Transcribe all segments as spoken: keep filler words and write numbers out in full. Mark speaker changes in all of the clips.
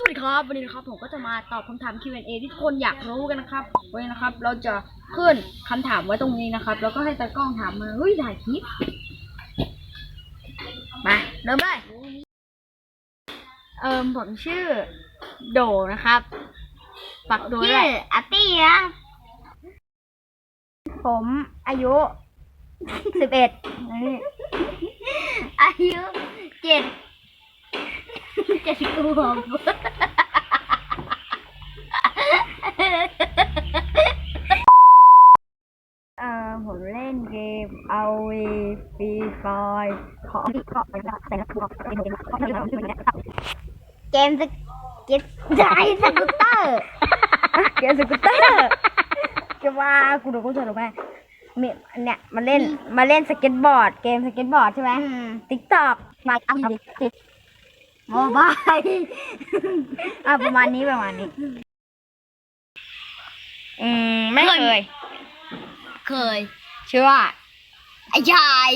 Speaker 1: วัสดีครับวันนี้นะครับผมก็จะมาตอบคำถาม คิว แอนด์ เอ ที่ทุกคนอยากรู้กันนะครับวันนี้นะครับเราจะขึ้นคำถามไว้ตรงนี้นะครับแล้วก็ให้ตากล้องถามมาเฮ้ยถ่ายคลิปมาเริ่มเลยเอิมผมชื่อโดนะครับปักโดด้วยอาร์ตี้นะผมอายุสิบเอ็ดอายุเจ็ดเจ็ดขวบเอ่อผมเล่นเกมเอาวีฟรีไฟของที่ก็เป็นแต่ละตัวเป็นเกมก็ไม่รู้ชื่อนี้ครับเกมสเก็ตไดสกูตเตอร์เกมสกูตเตอร์จะว่ากูดูกูจะรู้ไหมมีเนี่ยมาเล่นมาเล่นสเก็ตบอร์ดเกมสเก็ตบอร์ดใช่ไหมติ๊กต็อกมาเอาดิโมบายอ่ะประมาณนี้ประมาณนี้อืมไม่เคยเคยชื่อว่าไอ้ชาย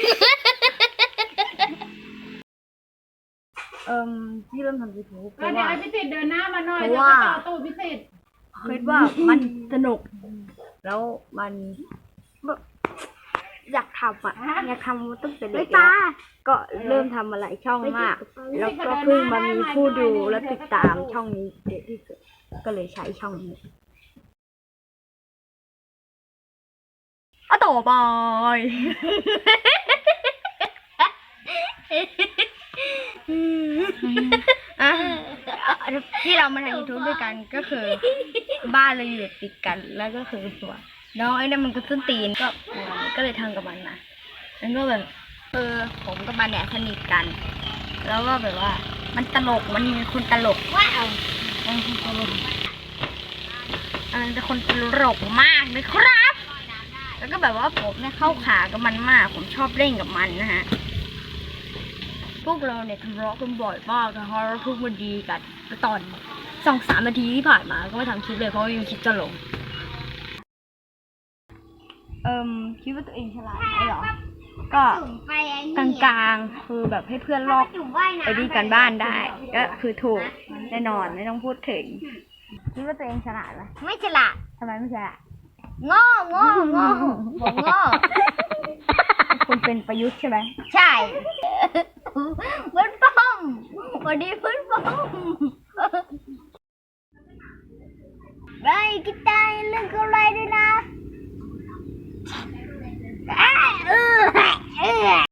Speaker 1: เอ่อที่เริ่มทำยูทูบเพราะว่า
Speaker 2: พิเศษเดินหน้ามาหน่อย
Speaker 1: เพราะว่า
Speaker 2: ต่อตู้พิเศษ
Speaker 1: คิดว่ามันสนุกแล้วมันอยากทำอ่ะอยากทำตั้งแต่เด็กแล้วก็เริ่มทำมาหลายช่องมากแล้วก็เพิ่งมามีผู้ดูและติดตามช่องนี้เยอะที่สุดก็เลยใช้ช่องนี้อ่ะต่อไปอ่ะที่เรามาทำยูทูบด้วยกันก็คือบ้านเราอยู่ติดกันแล้วก็คือตัวน้องไอ้นั่นมันก็ส้นตีนก็ก็เลยทำกับมันนะแล้วก็แบบเออผมกับมันเนี่ยสนิทกันแล้วก็แบบว่ามันตลกมันมีคนตลกว้าวมันคนตลกอันนั้นเป็นคนตลกมากเลยครับแล้วก็แบบว่าผมเนี่ยเข้าขากับมันมากผมชอบเล่นกับมันนะฮะพวกเราเนี่ยทะเลาะกันบ่อยมากนะคะแล้วเพิ่งมาดีกันตอนสองสามนาทีที่ผ่านมาก็ไม่ทำคลิปเลยเพราะว่ายังคิดจะลงเอิมคิดว่าตัวเองฉลาดไหมหรอก็กลางๆคือแบบให้เพื่อนลอกไอ้ดีกันบ้านได้ก็คือถูกแน่นอนไม่ต้องพูดถึงคิดว่าตัวเองฉลาดไหมไม่ฉลาดทำไมไม่ฉลาดโง่โง่โง่ผมโง่คุณเป็นประยุทธ์ใช่ไหมใช่เพื่อนป้อมวันนี้เพื่อนป้อมไปกินได้เรื่องอะไรด้วยนะ